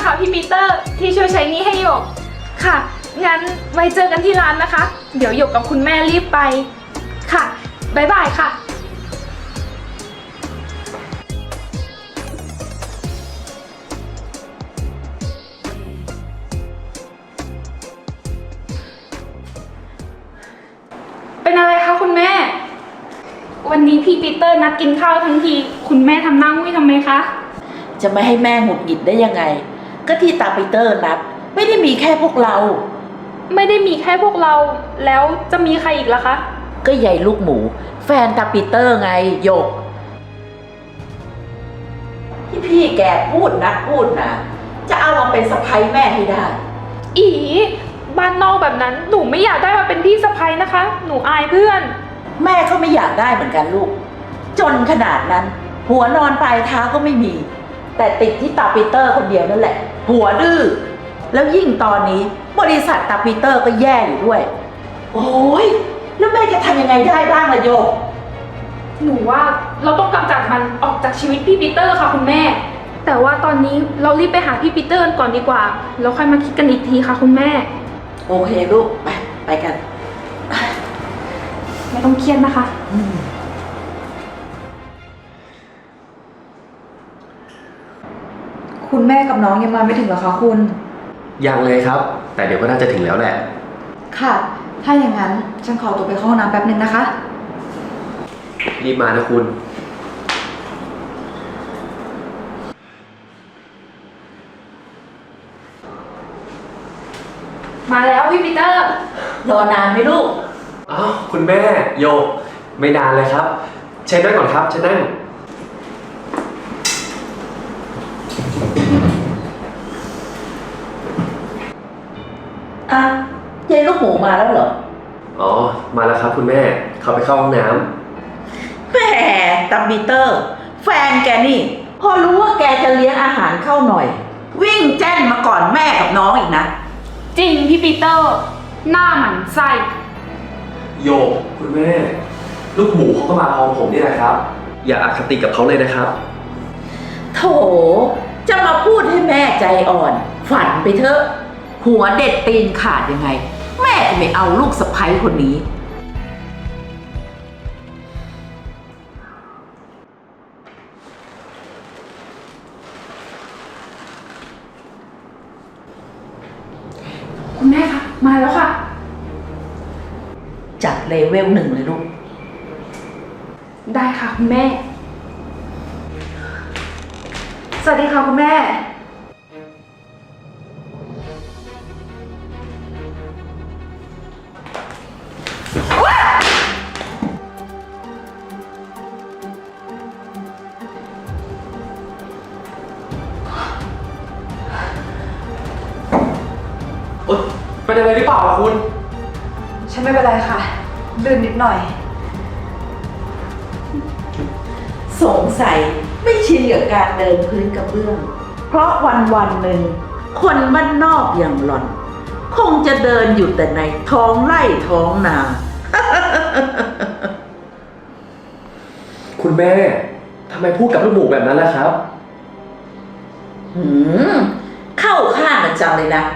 นะคะพี่ปีเตอร์ที่ช่วยใช้หนี้ให้หยกค่ะ งั้นไว้เจอกันที่ร้านนะคะ เดี๋ยวหยกกับคุณแม่รีบไปค่ะบ๊ายบายค่ะ เป็นอะไรคะคุณแม่ วันนี้พี่ปีเตอร์นัดกินข้าวทั้งทีคุณแม่ทำหน้ามุ้ยทำไมคะจะไม่ให้แม่หงุดหงิดได้ยังไงก็ที่ตาปีเตอร์นัดไม่ได้มีแค่พวกเราไม่ได้มีแค่พวกเราแล้วจะมีใครอีกล่ะคะก็ยายลูกหมูแฟนตาปีเตอร์ไงหยกที่พี่แกพูดนะจะเอามาเป็นสะใภ้แม่ให้ได้อีบ้านนอกแบบนั้นหนูไม่อยากได้มาเป็นพี่สะใภ้นะคะหนูอายเพื่อนแม่ก็ไม่อยากได้เหมือนกันลูกจนขนาดนั้นหัวนอนปลายเท้าก็ไม่มีแต่ติดที่ตาปีเตอร์คนเดียวนั่นแหละหัวดื้อแล้วยิ่งตอนนี้บริษัทตาปีเตอร์ก็แย่อยู่ด้วยโอ้ยแล้วแม่จะทำยังไงได้บ้างล่ะโยกหนูว่าเราต้องกำจัดมันออกจากชีวิตพี่ปีเตอร์ค่ะคุณแม่แต่ว่าตอนนี้เรารีบไปหาพี่ปีเตอร์ก่อนดีกว่าแล้วค่อยมาคิดกันอีกทีค่ะคุณแม่โอเคลูกไปกันไม่ต้องเครียดนะคะคุณแม่กับน้องยังมาไม่ถึงเหรอคะคุณยังเลยครับแต่เดี๋ยวก็น่าจะถึงแล้วแหละค่ะถ้าอย่างนั้นฉันขอตัวไปเข้าห้องน้ำแป๊บนึงนะคะรีบมานะคุณมาแล้วพี่ปีเตอร์รอนานไหมลูกอ้าวคุณแม่โยกไม่นานเลยครับเชิญนั่งก่อนครับเชิญนั่งอ่ะยายลูกหมูมาแล้วเหรออ๋อมาแล้วครับคุณแม่เขาไปเข้าห้องน้ำแหมตาปีเตอร์แฟนแกนี่พอรู้ว่าแกจะเลี้ยงอาหารเข้าหน่อยวิ่งแจ้นมาก่อนแม่กับน้องอีกนะจริงพี่ปีเตอร์หน้าหมันไส้โยกคุณแม่ลูกหมูเขาก็มาพร้อมผมนี่แหละครับอย่าอคติกับเขาเลยนะครับโถจะมาพูดให้แม่ใจอ่อนฝันไปเถอะหัวเด็ดตีนขาดยังไงแม่จะไม่เอาลูกสะใภ้คนนี้คุณแม่คะมาแล้วค่ะจัดเลเวล1เลยลูกได้ค่ะคุณแม่สวัสดีค่ะคุณแม่เป็นอะไรหรือเปล่าคุณฉันไม่เป็นไรค่ะลื่นนิดหน่อยสงสัยไม่ชินกับการเดินพื้นกระเบื้องเพราะวันหนึ่งคนบ้านนอกอย่างหล่อนคงจะเดินอยู่แต่ในท้องไร่ท้องนาคุณแม่ทำไมพูดกับลูกหมูแบบนั้นล่ะครับเข้าข้างกันจังเลยนะ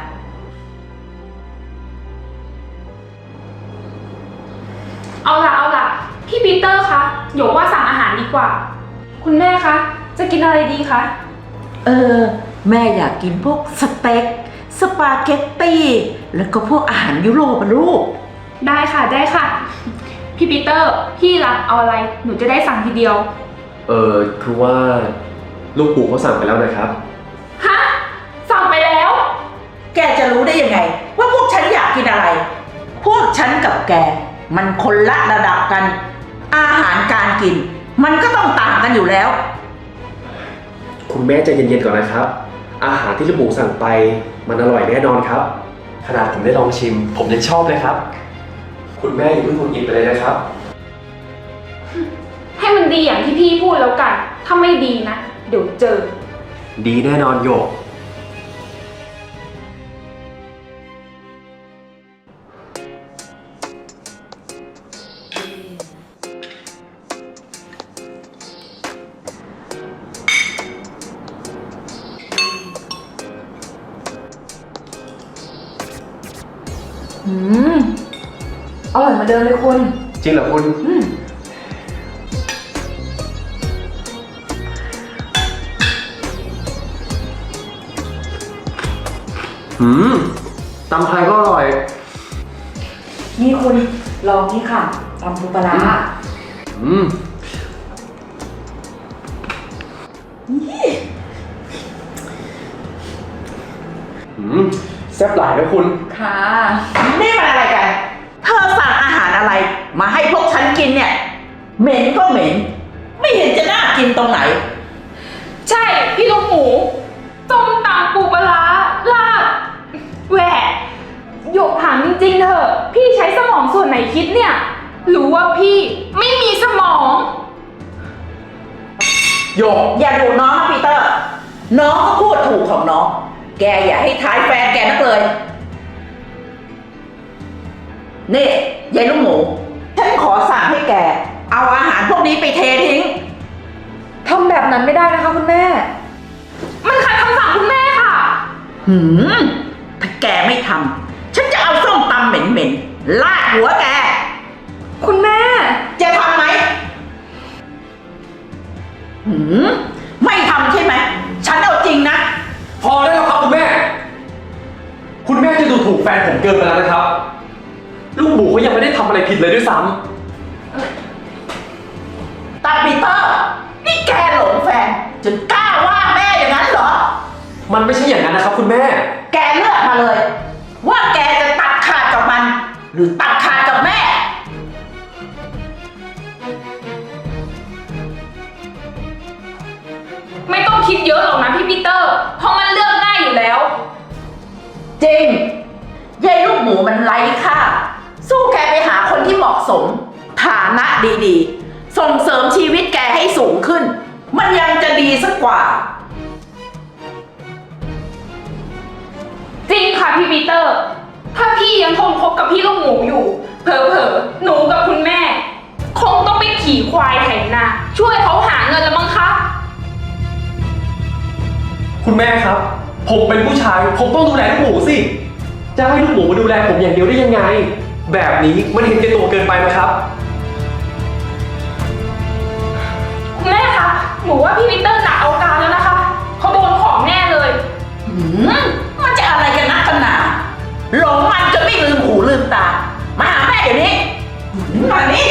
เอาล่ะพี่ปีเตอร์คะหยกว่าสั่งอาหารดีกว่าคุณแม่คะจะกินอะไรดีคะแม่อยากกินพวกสเต็กสปาเกตตี้แล้วก็พวกอาหารยุโรปอะลูกได้ค่ะพี่ปีเตอร์พี่ล่ะเอาอะไรหนูจะได้สั่งทีเดียวคือว่าลูกหมูเขาสั่งไปแล้วนะครับฮะสั่งไปแล้วแกจะรู้ได้ยังไงว่าพวกฉันอยากกินอะไรพวกฉันกับแกมันคนละระดับกันอาหารการกินมันก็ต้องต่างกันอยู่แล้วคุณแม่ใจเย็นๆก่อนนะครับอาหารที่ลูกหมูสั่งไปมันอร่อยแน่นอนครับขนาดผมได้ลองชิมผมยังชอบเลยครับคุณแม่อย่าเพิ่งหงุดหงิดไปเลยนะครับให้มันดีอย่างที่พี่พูดแล้วกันถ้าไม่ดีนะเดี๋ยวเจอดีแน่นอนโยกอืมอร่อยเหมาเดิมเลยคุณจริงเหรอคุณ ตำไทยก็อร่อยนี่คุณลองนี่ค่ะตำปูปลาร้าอืมแซ่บหลายนะคุณค่ะนี่มันอะไรกัน เธอสั่งอาหารอะไร มาให้พวกฉันกินเนี่ย เหม็นก็เหม็น ไม่เห็นจะน่ากินตรงไหนใช่พี่ลูกหมูส้มตำปูปลาร้าลาบแหวะหยกถามจริงๆเถอะพี่ใช้สมองส่วนไหนคิดเนี่ยหรือว่าพี่ไม่มีสมองโยกอย่าดูน้องนะปีเตอร์ น้องก็พูดถูกของน้อง แกอย่าให้ท้ายแฟนแกนักเลย นี่ยายลูกหมู ฉันขอสั่งให้แก เอาอาหารพวกนี้ไปเททิ้งทำแบบนั้นไม่ได้นะคะคุณแม่มันขัดคำสั่งคุณแม่ค่ะถ้าแกไม่ทำ ฉันจะเอาส้มตำเหม็นๆ ลาดหัวแกคุณแม่จะทำไหม ไม่ทำใช่ไหม ฉันเอาจริงนะพอได้แล้วครับคุณแม่ คุณแม่จะดูถูกแฟนผมเกินไปแล้วนะครับ ลูกหมูเขายังไม่ได้ทำอะไรผิดเลยด้วยซ้ตาปีเตอร์ นี่แกหลงแฟน จนกล้าว่าแม่อย่างนั้นเหรอำมันไม่ใช่อย่างนั้นนะครับคุณแม่แกเลือกมาเลย ว่าแกจะตัดขาดกับมัน หรือตัดขาดกับแม่ไม่ต้องคิดเยอะหรอกนะพี่ปีเตอร์เพราะมันเลือกง่ายอยู่แล้วจริงยายลูกหมูมันไร้ค่า สู้แกไปหาคนที่เหมาะสม ฐานะดีๆ ส่งเสริมชีวิตแกให้สูงขึ้น มันยังจะดีสักกว่าจริงค่ะพี่ปีเตอร์ ถ้าพี่ยังทนคบกับพี่ลูกหมูอยู่ เผลอๆหนูกับคุณแม่ คงต้องไปขี่ควายไถนาช่วยเขาหาเงินแล้วมั้งคะคุณแม่ครับ ผมเป็นผู้ชาย ผมต้องดูแลลูกหมูสิ จะให้ลูกหมูมาดูแลผมอย่างเดียวได้ยังไง แบบนี้มันเห็นแก่ตัวเกินไปนะครับคุณแม่คะหนูว่าพี่ปีเตอร์หนักเอาการแล้วนะคะเขาโดนของแน่เลยมันจะอะไรกันนักกันหนาหลงมันจนไม่ลืมหูลืมตา มาหาแม่เดี๋ยวนี้มานี่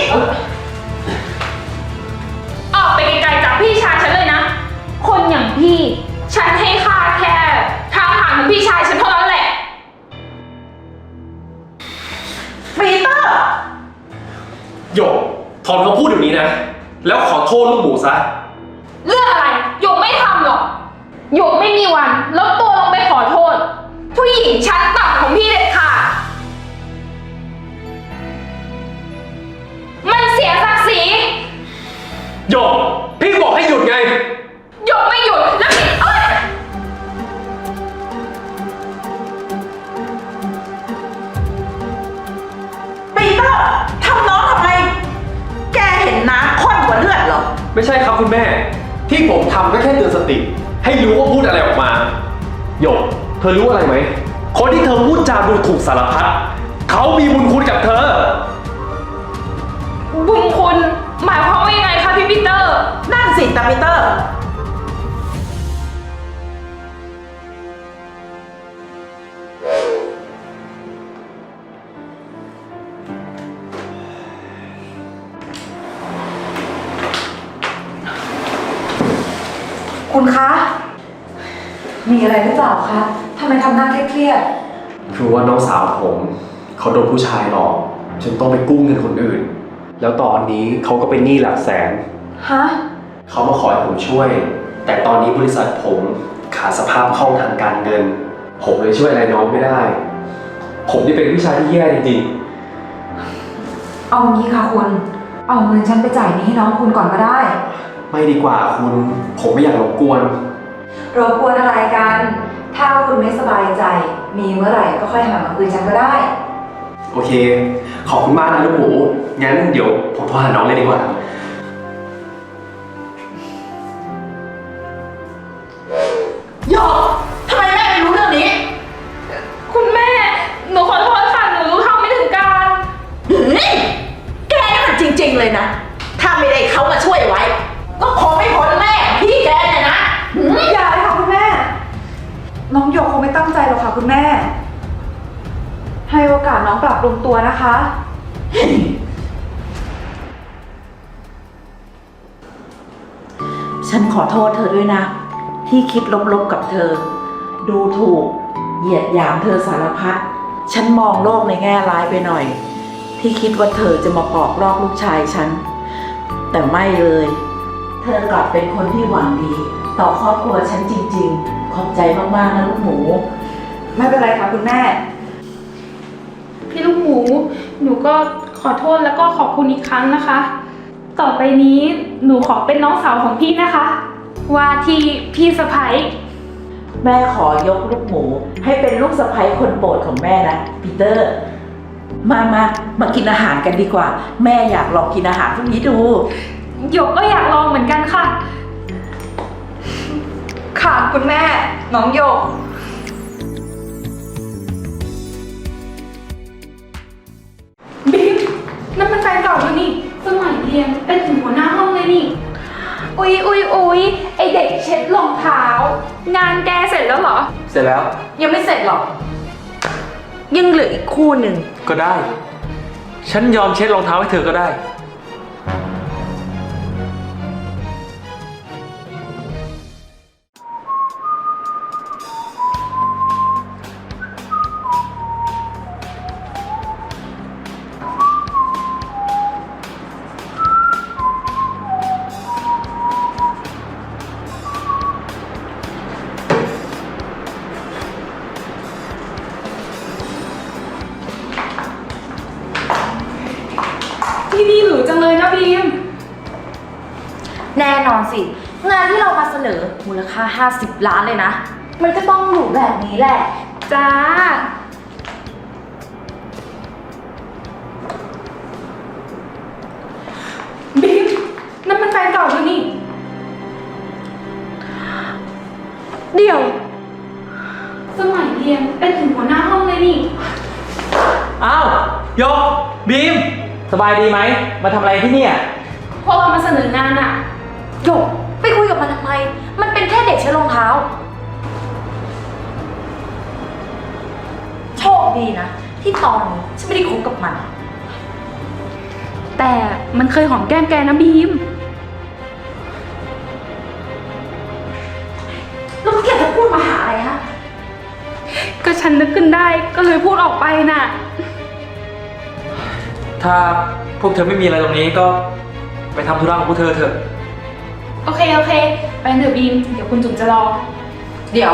ออกไปไกลๆจากพี่ชายฉันเลยนะ คนอย่างพี่ ฉันให้ค่าแค่ทางผ่านของพี่ชายฉันเท่านั้นแหละปีเตอร์โยกถอนคำพูดเดี๋ยวนี้นะ แล้วขอโทษลูกหมูซะเรื่องอะไรหยกไม่ทำหรอกหยกไม่มีวันลดตัวลงไปขอโทษ ผู้หญิงชั้นต่ำของพี่เด็ดขาดมันเสียศักดิ์ศรีโยกพี่บอกให้หยุดไงหยกไม่หยุดแล้วพี่เอ้ยปีเตอร์ทำน้องทำไม แกเห็นน้ำข้นกว่าเลือดเหรอไม่ใช่ครับคุณแม่ ที่ผมทำก็แค่เตือนสติ ให้รู้ว่าพูดอะไรออกมาโยกเธอรู้อะไรไหม คนที่เธอพูดจาดูถูกสารพัดเขามีบุญคุณกับเธอบุญคุณหมายความว่ายังไงคะพี่ปีเตอร์นั่นสิตาปีเตอร์คุณคะ มีอะไรหรือเปล่าคะทำไมทำหน้าเครียดคือว่าน้องสาวผมเขาโดนผู้ชายหลอกจนต้องไปกู้เงินคนอื่น แล้วตอนนี้เขาก็เป็นหนี้หลักแสนๆฮะเขามาขอให้ผมช่วย แต่ตอนนี้บริษัทผมขาดสภาพคล่องทางการเงิน ผมเลยช่วยอะไรน้องไม่ได้ ผมนี่เป็นผู้ชายที่แย่จริงเอางี้ค่ะคุณ เอาเงินฉันไปจ่ายหนี้ให้น้องคุณก่อนก็ได้ๆไม่ดีกว่าคุณ ผมไม่อยากรบกวนรบกวนอะไรกัน ถ้าคุณไม่สบายใจ มีเมื่อไหร่ก็ค่อยหามาคืนฉันก็ได้โอเค ขอบคุณมากนะลูกหมู งั้นเดี๋ยวผมโทรหาน้องเลยดีกว่าโยกทำไมแม่ไม่รู้เรื่องนี้คุณแม่ หนูขอโทษค่ะ หนูรู้น้องหยกคงไม่ตั้งใจหรอกค่ะคุณแม่ ให้โอกาสน้องปรับปรุงตัวนะคะฉันขอโทษเธอด้วยนะ ที่คิดลบๆกับเธอ ดูถูก เหยียดหยามเธอสารพัดฉันมองโลกในแง่ร้ายไปหน่อย ที่คิดว่าเธอจะมาปอกลอกลูกชายฉัน แต่ไม่เลย เธอกลับเป็นคนที่หวังดี ต่อครอบครัวฉันจริงๆ ขอบใจมากๆนะลูกหมูไม่เป็นไรค่ะคุณแม่พี่ลูกหมู หนูก็ขอโทษแล้วก็ขอบคุณอีกครั้งนะคะ ต่อไปนี้หนูขอเป็นน้องสาวของพี่นะคะ ว่าที่พี่สะใภ้แม่ขอยกลูกหมู ให้เป็นลูกสะใภ้คนโปรดของแม่นะปีเตอร์ มากินอาหารกันดีกว่า แม่อยากลองกินอาหารพวกนี้ดูหยกก็อยากลองเหมือนกันค่ะค่ะคุณแม่ น้องหยกบิ๊กนั่นมันแฟนเก่าอยู่นี่สมัยเรียนเป็นถึงหัวหน้าห้องเลยนี่ อุ๊ยไอเด็กเช็ดรองเท้า งานแกเสร็จแล้วเหรอเสร็จแล้วยังไม่เสร็จหรอก ยังเหลืออีกคู่หนึ่งก็ได้ ฉันยอมเช็ดรองเท้าให้เธอก็ได้ที่นี่หรูจังเลยนะบีมแน่นอนสิ งานที่เรามาเสนอมูลค่า50 ล้านเลยนะ มันก็ต้องหรูแบบนี้แหละจ้า บีมนั่นมันแฟนเก่าอยู่นี่เดี๋ยวสมัยเรียนเป็นถึงหัวหน้าห้องเลยนี่อ้าวโยกบีม สบายดีไหม มาทำอะไรที่เนี่ยพวกเรามาเสนองานอะโยกไปคุยกับมันทำไม มันเป็นแค่เด็กใช้รองเท้า โชคดีนะ ที่ตอนนี้ฉันไม่ได้คบกับมันแต่มันเคยหอมแก้มแกนะบีมแล้วแกจะพูดมาหาอะไรฮะก็ฉันนึกขึ้นได้ก็เลยพูดออกไปน่ะถ้าพวกเธอไม่มีอะไรตรงนี้ก็ไปทำธุระของพวกเธอเถอะโอเค ไปเถอะบีม เดี๋ยวคุณจุ๋มจะรอเดี๋ยว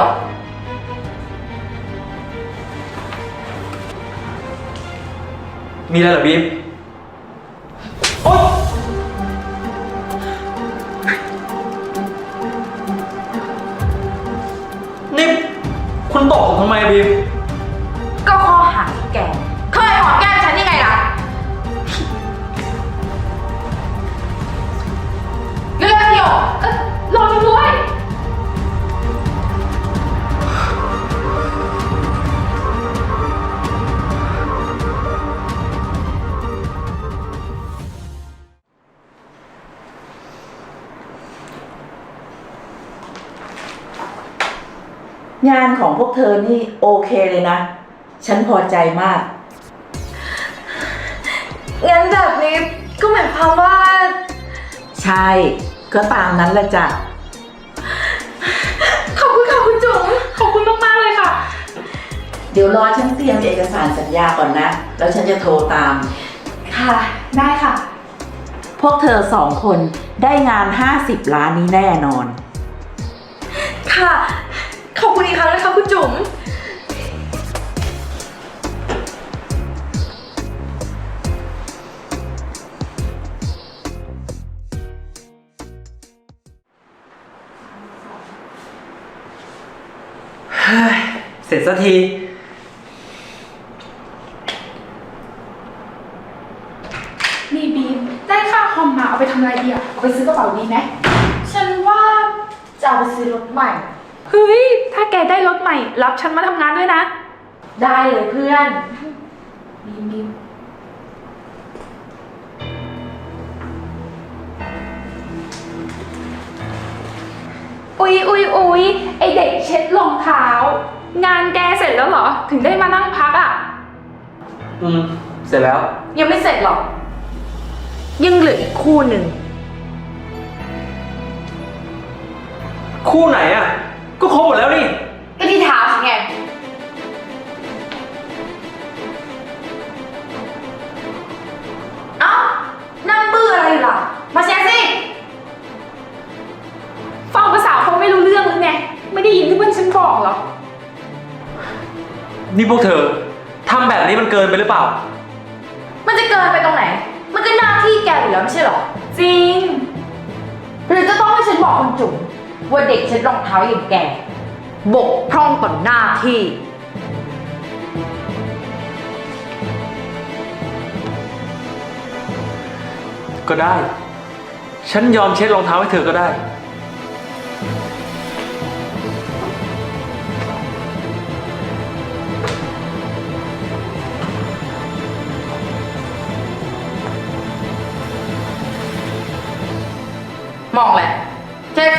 มีอะไรเหรอบีม โอ๊ยนี่คุณตบผมทำไมบีมก็ข้อหาที่แก เคยหอมแก้มฉันยังไงล่ะ เรื่องเดียวรอฉันด้วยงานของพวกเธอนี่โอเคเลยนะ ฉันพอใจมากงั้นแบบนี้ก็หมายความว่าใช่ ก็ตามนั้นแหละจ้ะขอบคุณค่ะคุณจุ๋มขอบคุณมากๆเลยค่ะเดี๋ยวรอฉันเตรียมเอกสารสัญญาก่อนนะ แล้วฉันจะโทรตามค่ะ ได้ค่ะพวกเธอสองคนได้งาน 50 ล้านนี้แน่นอนค่ะ ขอบคุณอีกครั้งนะคะคุณจุ๋มเสร็จสักทีนี่บีม ได้ค่าคอมมาเอาไปทำอะไรดีอะเอาไปซื้อกระเป๋าดีไหมฉันว่าจะเอาไปซื้อรถใหม่เฮ้ย ถ้าแกได้รถใหม่ รับฉันมาทำงานด้วยนะได้เลยเพื่อนบีม อุ๊ยไอเด็กเช็ดรองเท้างานแกเสร็จแล้วเหรอ ถึงได้มานั่งพักอ่ะเสร็จแล้วยังไม่เสร็จหรอก ยังเหลืออีกคู่หนึ่งคู่ไหนอ่ะ ก็ครบหมดแล้วนี่ก็ที่เท้าฉันไง เอ้า นั่งบื้ออะไรอยู่ล่ะ มาเช็คสิฟังภาษาเขาไม่รู้เรื่องหรือไง ไม่ได้ยินที่เพื่อนฉันบอกเหรอนี่พวกเธอทำแบบนี้มันเกินไปหรือเปล่ามันจะเกินไปตรงไหน มันก็หน้าที่แกอยู่แล้วไม่ใช่หรอจริงหรือจะต้องให้ฉันบอกคุณจุ๋มว่าเด็กเช็ดรองเท้าอย่างแก บกพร่องต่อหน้าที่ก็ได้ ฉันยอมเช็ดรองเท้าให้เธอก็ได้มองแหละเช็ดสิ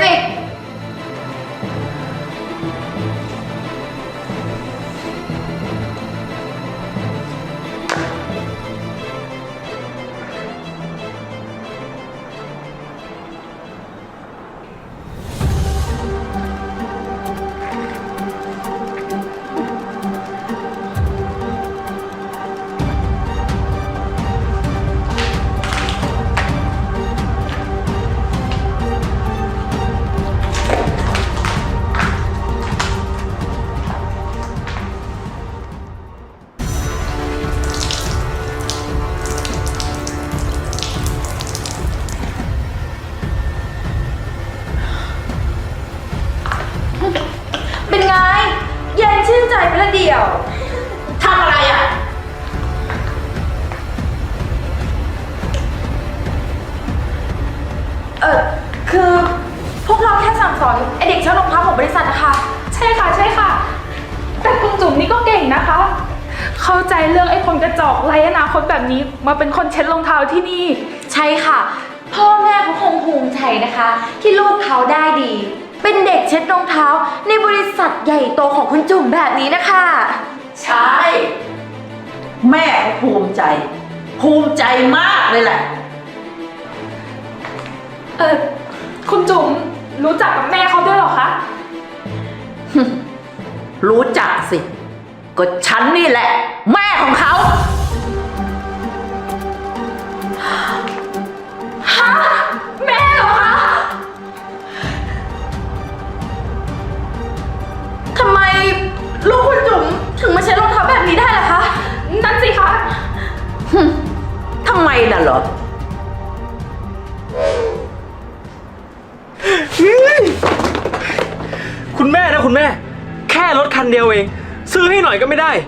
เป็นไง เย็นชื่นใจไปละเดียวทำอะไรอ่ะคือพวกเราแค่สั่งสอนไอเด็กเช่ารองเท้าของบริษัทนะคะใช่ค่ะใช่ค่ะ แต่คุณจุ๋มนี่ก็เก่งนะคะ เข้าใจเรื่องไอ้คนกระจอกไร้อนาคตแบบนี้มาเป็นคนเช็ดรองเท้าที่นี่ใช่ค่ะ พ่อแม่เขาคงภูมิใจนะคะ ที่ลูกเขาได้ดี เป็นเด็กเช็ดรองเท้าในบริษัทใหญ่โตของคุณจุ๋มแบบนี้นะคะใช่ แม่ก็ภูมิใจ ภูมิใจมากเลยแหละคุณจุ๋มรู้จักกับแม่เขาด้วยเหรอคะรู้จักสิ ก็ฉันนี่แหละ แม่ของเขาฮะ แม่เหรอคะทำไมลูกคุณจุ๋มถึงมาเช็ดรองเท้าแบบนี้ได้ล่ะคะนั่นสิคะทำไมน่ะเหรอคุณแม่นะคุณแม่ แค่รถคันเดียวเอง ซื้อให้หน่อยก็ไม่ได้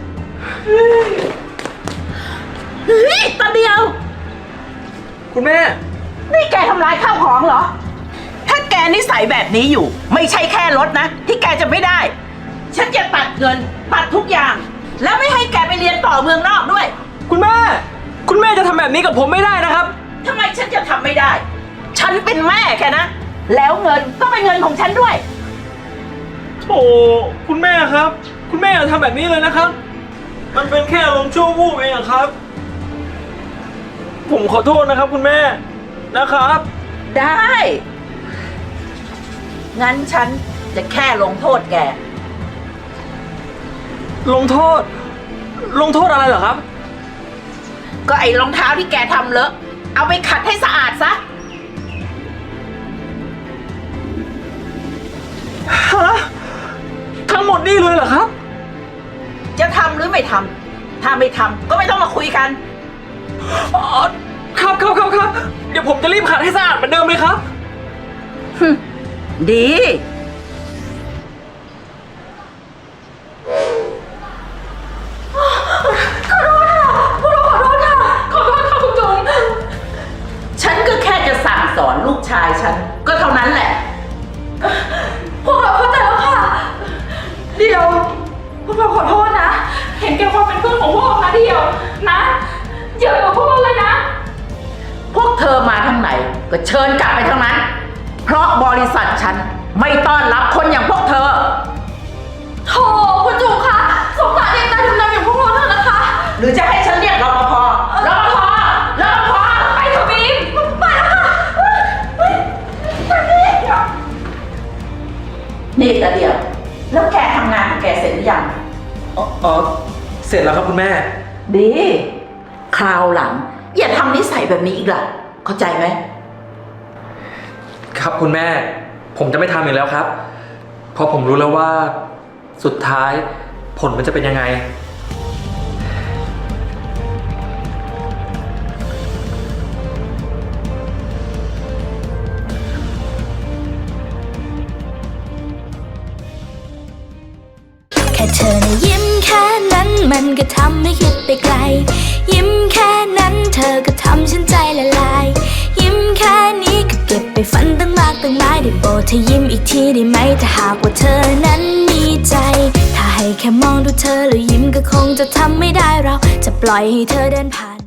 เฮ้ยตาเดียวคุณแม่นี่แกทำลายข้าวของเหรอ ถ้าแกนิสัยแบบนี้อยู่ ไม่ใช่แค่รถนะ ที่แกจะไม่ได้ ฉันจะตัดเงินตัดทุกอย่าง แล้วไม่ให้แกไปเรียนต่อเมืองนอกด้วยคุณแม่ คุณแม่จะทำแบบนี้กับผมไม่ได้นะครับทำไมฉันจะทำไม่ได้ ฉันเป็นแม่แกนะ แล้วเงินก็เป็นเงินของฉันด้วยโอ้คุณแม่ครับ คุณแม่อย่าทำแบบนี้เลยนะครับ มันเป็นแค่อารมณ์ชั่ววูบเองอะครับ ผมขอโทษนะครับ คุณแม่นะครับได้ งั้นฉันจะแค่ลงโทษแกลงโทษ ลงโทษอะไรเหรอครับก็ไอ้รองเท้าที่แกทำเลอะ เอาไปขัดให้สะอาดซะฮะ ทั้งหมดนี่เลยเหรอครับจะทำหรือไม่ทำ ถ้าไม่ทำก็ไม่ต้องมาคุยกันอ๋อ ครับครับครับครับ เดี๋ยวผมจะรีบขัดให้สะอาดเหมือนเดิมเลยครับดีขอโทษค่ะคุณจุ๋มฉันก็แค่จะสั่งสอนลูกชายฉัน ก็เท่านั้นแหละพวกเราเข้าใจแล้วค่ะ เดี๋ยว พวกเราขอโทษนะเห็นแก่ความเป็นเพื่อนของพวกเรานะเดียวนะอย่ากับพวกเราเลยนะพวกเธอมาทางไหน ก็เชิญกลับไปทางนั้น เพราะบริษัทฉันไม่ต้อนรับคนอย่างพวกเธอโธ่แล้วแกทำงานของแกเสร็จหรือยังอ๋อ เสร็จแล้วครับคุณแม่ดี คราวหลัง อย่าทำนิสัยแบบนี้อีกล่ะ เข้าใจไหมครับคุณแม่ ผมจะไม่ทำอีกแล้วครับ เพราะผมรู้แล้วว่าสุดท้ายผลมันจะเป็นยังไงแค่เธอนะยิ้มแค่นั้นมันก็ทำให้คิดไปไกล ยิ้มแค่นั้นเธอก็ทำฉันใจละลาย ยิ้มแค่นี้ก็เก็บไปฝันตั้งมากตั้งหลายได้โปรดเธอยิ้มอีกทีได้ไหมถ้าหากว่าเธอนั้นมีใจ ถ้าให้แค่มองดูเธอแล้วยิ้มก็คงจะทำไม่ได้เราจะปล่อยให้เธอเดินผ่าน